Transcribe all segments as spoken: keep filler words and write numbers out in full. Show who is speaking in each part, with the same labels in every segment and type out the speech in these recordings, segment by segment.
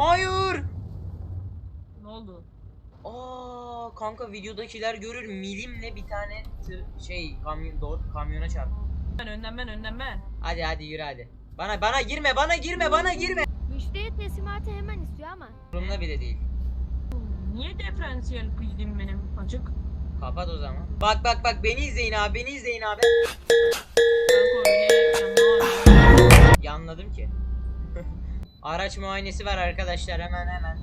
Speaker 1: Hayır.
Speaker 2: Ne oldu?
Speaker 1: Aa kanka videodakiler görür milimle bir tane tır, şey kamyon doğru kamyona çarp.
Speaker 2: Ben önden ben önden ben.
Speaker 1: Hadi hadi yürü hadi. Bana bana girme bana girme bana girme.
Speaker 3: Müşteri teslimatı hemen istiyor ama.
Speaker 1: Umurumda bile değil.
Speaker 2: Niye diferansiyel kildim benim açık?
Speaker 1: Kapat o zaman. Bak bak bak beni izleyin abi beni izleyin abi.
Speaker 2: Kanka öyle
Speaker 1: Yanladım ki. Araç muayenesi var arkadaşlar hemen hemen.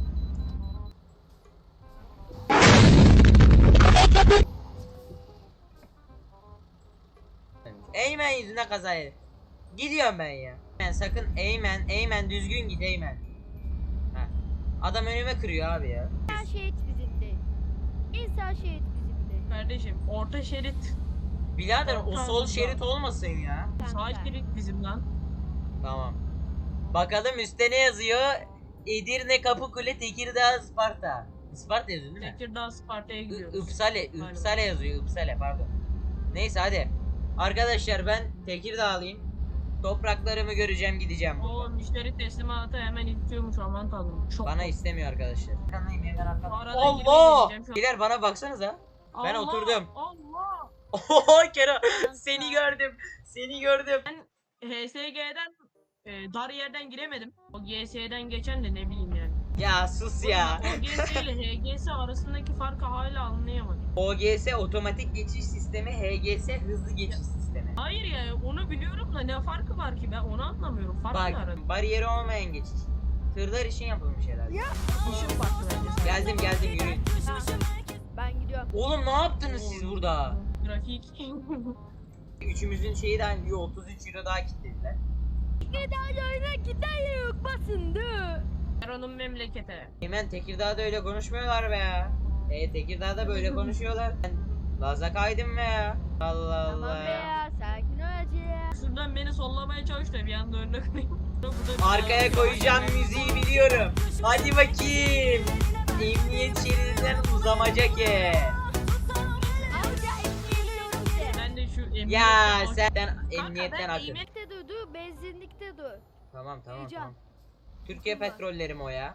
Speaker 1: Eymen yüzüne kaza yedim. Gidiyorum ben ya. Ben sakın Eymen, Eymen düzgün git Eymen. Heh. Adam önüme kırıyor abi ya.
Speaker 3: Her şehit bizimdi. İnsan şehit bizimdi.
Speaker 2: Kardeşim orta şerit.
Speaker 1: Birader o
Speaker 2: Orta
Speaker 1: sol
Speaker 2: yolda.
Speaker 1: şerit olmasın ya.
Speaker 2: Sağ şerit bizim lan.
Speaker 1: Tamam. Bakalım üstte ne yazıyor? Edirne, Kapıkule, Tekirdağ, Isparta. Isparta yazıyor değil mi?
Speaker 2: Tekirdağ Sparta'ya
Speaker 1: I-
Speaker 2: gidiyoruz.
Speaker 1: Ipsale,
Speaker 2: Galiba.
Speaker 1: Ipsale yazıyor, Ipsale pardon. Neyse hadi. Arkadaşlar ben Tekirdağlıyım. Topraklarımı göreceğim gideceğim.
Speaker 2: O müşteri teslimatı hemen istiyormuş aman tanrım. Çok
Speaker 1: Bana
Speaker 2: çok.
Speaker 1: istemiyor arkadaşlar. Kanayım hemen arkadaşlar.
Speaker 2: Arada
Speaker 1: Allah!
Speaker 2: girmeye gideceğim şu an.
Speaker 1: Biler bana baksanıza. Ben
Speaker 2: Allah,
Speaker 1: oturdum.
Speaker 2: Allah.
Speaker 1: Oho Kero seni gördüm. Seni gördüm.
Speaker 2: Ben H S G'den e, dar yerden giremedim. O G S'den geçen de ne bileyim yani.
Speaker 1: Ya sus ya.
Speaker 2: O G S ile H G S arasındaki farkı hala anlayamadım.
Speaker 1: O G S otomatik geçiş sistemi, H G S hızlı geçiş sistemi.
Speaker 2: Hayır ya onu biliyorum da ne farkı var ki ben onu anlamıyorum. Fark ne arada?
Speaker 1: Bak bariyeri olmayan geçiş. Tırlar için yapılmış herhalde.
Speaker 2: İşin farkı bence.
Speaker 1: Geldim geldim yürüyün.
Speaker 3: Ben gidiyorum.
Speaker 1: Oğlum ne yaptınız siz burada?
Speaker 2: Trafik.
Speaker 1: Üçümüzün şeyi de otuz üç euro daha kilitlediler.
Speaker 3: Giderlerine gider yok basındı.
Speaker 2: Eron'un memlekete.
Speaker 1: Hemen Tekirdağ'da öyle konuşmuyorlar be ya. E Tekirdağ'da böyle konuşuyorlar. Ben Laza kaydım be ya. Allah
Speaker 3: Tamam
Speaker 1: Allah.
Speaker 3: be ya sakin ol hacı.
Speaker 2: Şuradan beni sollamaya çalış da bir anda önüne koyayım. Burada bir
Speaker 1: Arkaya
Speaker 2: daha-
Speaker 1: koyacağım müziği biliyorum. Hadi bakayım. Emniyet şeridinden uzamaca ki.
Speaker 3: Amca geliyorum size.
Speaker 2: Ben de şu emniyet.
Speaker 1: Ya sen
Speaker 2: Kanka,
Speaker 1: emniyetten
Speaker 2: ben
Speaker 1: akın.
Speaker 2: emniyet-
Speaker 3: Emniyette dur dur benzinlikte dur.
Speaker 1: Tamam tamam
Speaker 3: Heyecan.
Speaker 1: tamam. Türkiye
Speaker 3: Tamam.
Speaker 1: petrolleri mi o ya?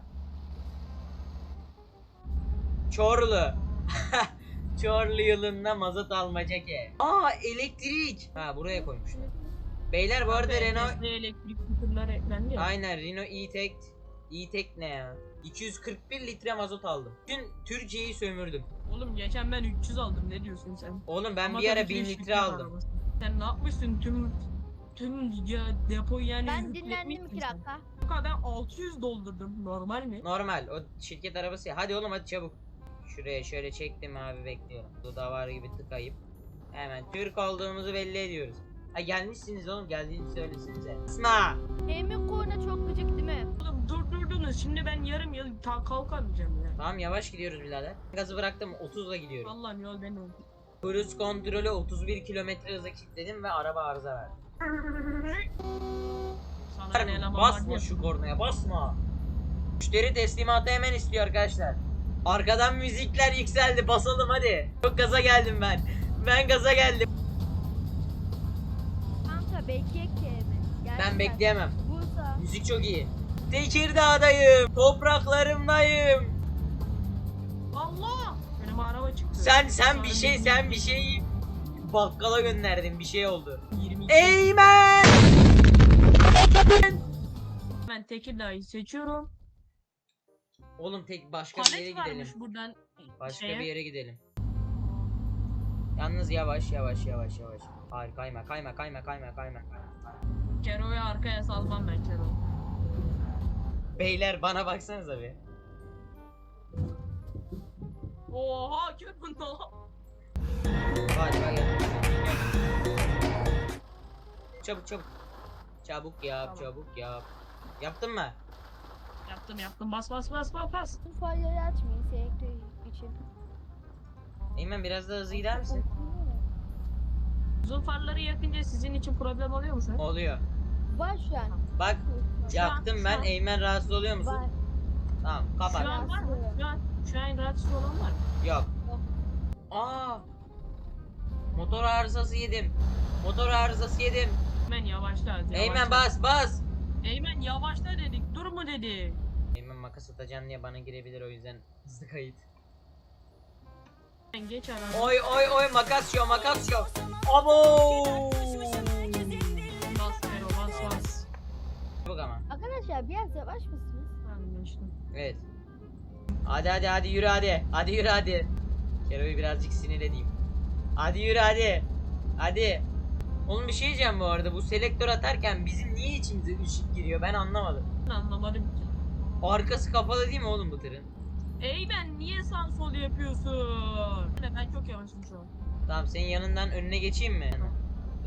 Speaker 1: Çorlu. Çorlu yılında mazot almaca ki. Aa elektrik. Ha buraya koymuşlar. Beyler bu arada
Speaker 2: Kanka,
Speaker 1: Renault
Speaker 2: Tesla elektrik skuterlar eklendi ya.
Speaker 1: aynen Renault E-Tech E-Tech ne ya? iki yüz kırk bir litre mazot aldım. Tüm Türkiye'yi sömürdüm.
Speaker 2: Oğlum geçen ben üç yüz aldım ne diyorsun sen?
Speaker 1: Oğlum ben
Speaker 2: Ama
Speaker 1: bir ara
Speaker 2: tabii ki
Speaker 1: bin
Speaker 2: de
Speaker 1: litre
Speaker 2: şirket
Speaker 1: aldım.
Speaker 2: arabası. Sen ne yapmışsın tüm tüm ya, depoyu yani
Speaker 3: Ben
Speaker 2: yükletmişsin
Speaker 3: dinlendim iki
Speaker 2: sen.
Speaker 3: dakika.
Speaker 2: Kanka ben altı yüz doldurdum normal mi?
Speaker 1: Normal o şirket arabası ya. Hadi oğlum hadi çabuk. Şuraya şöyle çektim abi bekliyorum. Dudavar gibi tıkayıp hemen Türk olduğumuzu belli ediyoruz. Ha gelmişsiniz oğlum geldiğini söylesinize. İsma.
Speaker 3: Emin korna çok gıcık değil mi?
Speaker 2: Oğlum durdurdunuz şimdi ben yarım yıl ta kalkamayacağım ya.
Speaker 1: Tamam yavaş gidiyoruz birader. Gazı bıraktım otuzla gidiyorum.
Speaker 2: Allah'ım yol beni oldu.
Speaker 1: Cruise kontrolü otuz bir kilometre hıza kilitledim ve araba arıza verdi.
Speaker 2: Sana ne eleman var
Speaker 1: Basma
Speaker 2: diye.
Speaker 1: şu kornaya basma. Müşteri teslimatı hemen istiyor arkadaşlar. Arkadan müzikler yükseldi basalım hadi. Çok gaza geldim ben. Ben gaza geldim.
Speaker 3: Kanka bekleyek ki mi?
Speaker 1: Ben bekleyemem.
Speaker 3: Bursa.
Speaker 1: Müzik çok iyi. Tekirdağ'dayım. Topraklarımdayım.
Speaker 2: Allah! Benim araba çıktı.
Speaker 1: Sen sen
Speaker 2: Sana
Speaker 1: bir şey
Speaker 2: yirmi-
Speaker 1: sen bir şey bakkala gönderdin bir şey oldu.
Speaker 2: yirmi iki.
Speaker 1: Eymen!
Speaker 2: Ben Tekirdağ'ı seçiyorum.
Speaker 1: Oğlum tek başka bir yere
Speaker 2: Palet
Speaker 1: gidelim.
Speaker 2: varmış buradan.
Speaker 1: Başka
Speaker 2: şeye.
Speaker 1: bir yere gidelim. Yalnız yavaş yavaş yavaş yavaş. Hayır kayma kayma kayma kayma kayma.
Speaker 2: Kero'yu arkaya salmam ben Kero.
Speaker 1: Beyler bana baksanıza bir.
Speaker 2: Oha Kero ne?
Speaker 1: Hadi hadi gel. Çabuk çabuk. Çabuk yap
Speaker 2: Tamam.
Speaker 1: çabuk yap. Yaptın mı?
Speaker 2: Yaptım yaptım bas bas bas bas bas.
Speaker 3: Bu farları açmayın selektör için.
Speaker 1: Eymen biraz daha hızlı gider misin?
Speaker 2: Uzun farları yakınca sizin için problem oluyor mu sen?
Speaker 1: Oluyor.
Speaker 3: Var şu an.
Speaker 1: Bak
Speaker 2: Şu an-
Speaker 1: yaktım
Speaker 2: şu
Speaker 1: ben.
Speaker 2: an-
Speaker 1: Eymen rahatsız oluyor musun?
Speaker 3: Var.
Speaker 1: Tamam
Speaker 2: Şu
Speaker 1: kapat.
Speaker 2: an var mı? Şu an, şu an rahatsız olan var mı?
Speaker 1: Yok.
Speaker 3: Yok.
Speaker 1: Aa. Motor arızası yedim. Motor arızası yedim.
Speaker 2: Eymen yavaşla. yavaşla.
Speaker 1: Eymen bas bas.
Speaker 2: Eymen yavaşla dedik dur mu dedik.
Speaker 1: Eymen makas atacaksın diye bana girebilir, o yüzden hızlı kayıt.
Speaker 2: Sen geç ara.
Speaker 1: Oy oy oy, makas yo makas yo. Abo.
Speaker 2: Bas Fero bas bas.
Speaker 1: Bak ama.
Speaker 3: Arkadaşlar biraz yavaş mısınız?
Speaker 2: Anlaştım.
Speaker 1: Evet. Hadi hadi hadi yürü hadi. Hadi yürü hadi. Kero'yu birazcık sinir edeyim. Hadi yürü hadi. Hadi. Oğlum bir şey diyeceğim bu arada. Bu selektör atarken bizim niye içimize ışık giriyor ben anlamadım.
Speaker 2: Ben anlamadım ki.
Speaker 1: Arkası kapalı değil mi oğlum bu tırın?
Speaker 2: Ey ben niye sağ sol yapıyorsun? Ben çok yavaşım şu an.
Speaker 1: Tamam, senin yanından önüne geçeyim mi? Dur.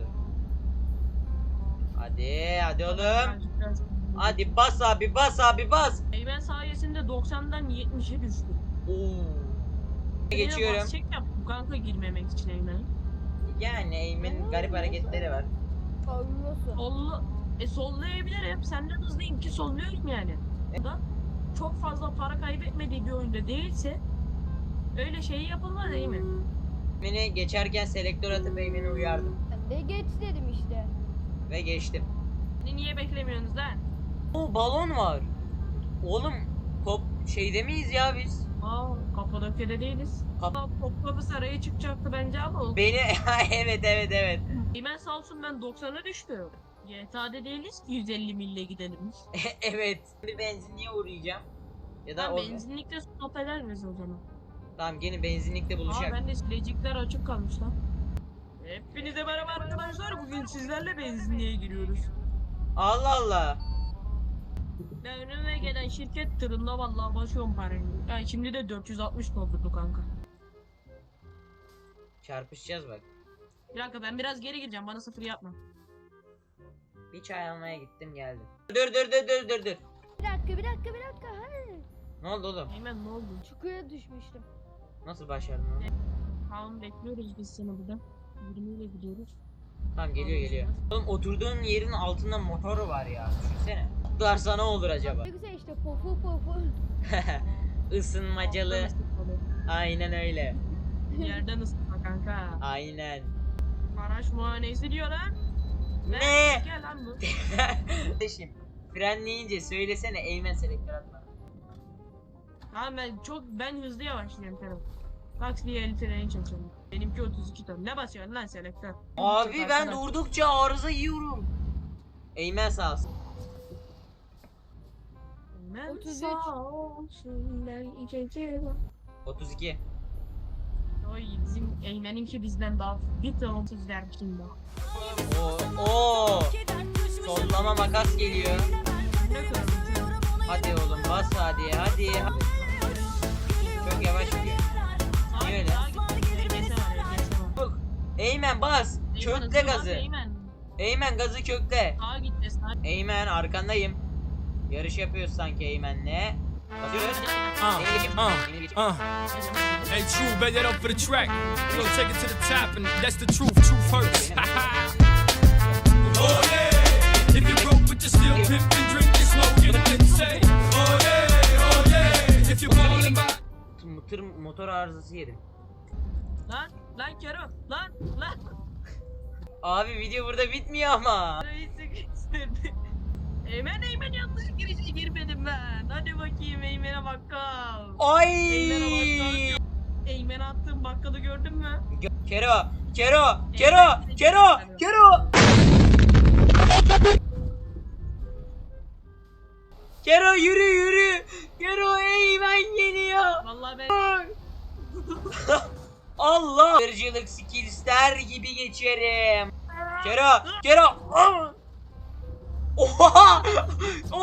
Speaker 1: Hadi hadi oğlum.
Speaker 2: Birazcık, birazcık.
Speaker 1: Hadi bas abi bas abi bas.
Speaker 2: Eymen sayesinde doksandan yetmişe düştü.
Speaker 1: Oo. Geçiyorum.
Speaker 2: Basacak yaptım kanka girmemek için Eymen.
Speaker 1: Yani Eymen'in garip hareketleri var.
Speaker 3: Olmuyorsun.
Speaker 2: Sollu, e sollayabilirim. Senden hızlıyım ki solluyorum yani.
Speaker 1: E-
Speaker 2: Da çok fazla para kaybetmediği bir oyunda değilse öyle şey yapılmaz Eymen.
Speaker 1: Beni geçerken selektör atıp Eymen'i uyardım.
Speaker 3: Ben de geç dedim işte.
Speaker 1: Ve geçtim.
Speaker 2: Beni niye beklemiyorsunuz lan?
Speaker 1: Oo, balon var. Oğlum top şeyde miyiz ya biz?
Speaker 2: Aa Kapadokya'da değiliz.
Speaker 1: Kap-
Speaker 2: Aa, Topkapı Sarayı çıkacaktı bence ama o.
Speaker 1: Beni evet evet evet.
Speaker 2: Eymen sağ olsun ben doksana düştü. G T A'da değiliz ki yüz elli mille gidelim.
Speaker 1: Evet. Bir benzinliğe uğrayacağım. Ya da
Speaker 2: Tamam
Speaker 1: o...
Speaker 2: benzinlikte stop eder miyiz o zaman?
Speaker 1: Tamam, gene benzinlikte
Speaker 2: Aa
Speaker 1: buluşak.
Speaker 2: ben de silecikler açık kalmış lan. Hepinize merhaba arkadaşlar. Bugün sizlerle benzinliğe giriyoruz.
Speaker 1: Allah Allah.
Speaker 2: Ben önüme gelen şirket tırında vallahi basıyorum parayı. Yani şimdi de dört yüz altmış doldurdu kanka.
Speaker 1: Çarpışacağız bak.
Speaker 2: Bir dakika ben biraz geri gireceğim. Bana sıfır yapma.
Speaker 1: Bir çay almaya gittim geldim. Dur dur dur dur dur dur.
Speaker 3: Bir dakika bir dakika bir dakika. Hayır.
Speaker 1: Ne oldu oğlum?
Speaker 2: Eymen ne oldu?
Speaker 3: Çukura düşmüştüm.
Speaker 1: Nasıl başardın onu?
Speaker 2: Tamam bekliyoruz biz seni burada. yirmi ile gidiyoruz.
Speaker 1: Tamam, geliyor geliyor. Oğlum oturduğun yerin altında motoru var ya. Düşünsene. Atlarsa ne olur acaba?
Speaker 3: Ne güzel işte pofu pofu.
Speaker 1: Isınmacalı. Aynen öyle.
Speaker 2: Yerden ısıtma kanka.
Speaker 1: Aynen.
Speaker 2: Araç muayenesi diyor lan.
Speaker 1: Ne?
Speaker 2: Gel lan bu.
Speaker 1: Kardeşim, frenleyince söylesene Eymen selektör atma.
Speaker 2: Tamam ben çok ben hızlı yavaşlıyorum Kerem. Bak diye el freni çekiyorum. Benimki otuz iki ton. Ne basıyorsun lan selektör?
Speaker 1: Abi
Speaker 2: Çok
Speaker 1: ben
Speaker 2: arkadaş.
Speaker 1: durdukça arıza yiyorum. Eymen sağ olsun.
Speaker 2: Ben
Speaker 3: otuz üç.
Speaker 2: sağ olsun ben içeceğim.
Speaker 1: otuz iki.
Speaker 2: Oy bizim Eymen'inki bizden daha bir ton sizler şimdi.
Speaker 1: Oo, oo. Sollama makas geliyor.
Speaker 2: Ne kadar?
Speaker 1: Hadi oğlum bas hadi hadi. Çok yavaş gidiyor. Niye öyle? Eymen bas. Kökle gazı.
Speaker 2: Eymen.
Speaker 1: Eymen gazı kökle.
Speaker 2: Sağa gitti sağa.
Speaker 1: Eymen arkandayım. Yarış yapıyoruz sanki Eymen'le. Basıyoruz.
Speaker 4: Uh,
Speaker 1: Beni geçin.
Speaker 4: uh,
Speaker 1: Beni geçin.
Speaker 4: uh. Hey, True, bet that up for the track. We gonna take it to the top, and that's the truth. Truth hurts. Oh yeah. If you broke with the steel pimp and drink and smoke, you can say, oh yeah, oh yeah. If you ballin' by.
Speaker 1: Tır motor arızası yedim.
Speaker 2: Lan lan Kero lan lan.
Speaker 1: Abi video burada bitmiyor ama.
Speaker 2: Reis sıkıştırdı. Eymen Eymen yanlış girişe girmedim ben. Hadi bakayım Eymen'e bakkal.
Speaker 1: Ay.
Speaker 2: Eymen'e bakkal. Eymen'e attığım bakkalı gördün mü?
Speaker 1: Gö- Kero, Kero, Kero, Kero, Kero. Kero yürü yürü. Kero Eymen geliyor.
Speaker 2: Vallahi ben
Speaker 1: Allah. Hırcılık skillsler gibi geçerim. Kero, Kero. Ah! Oha!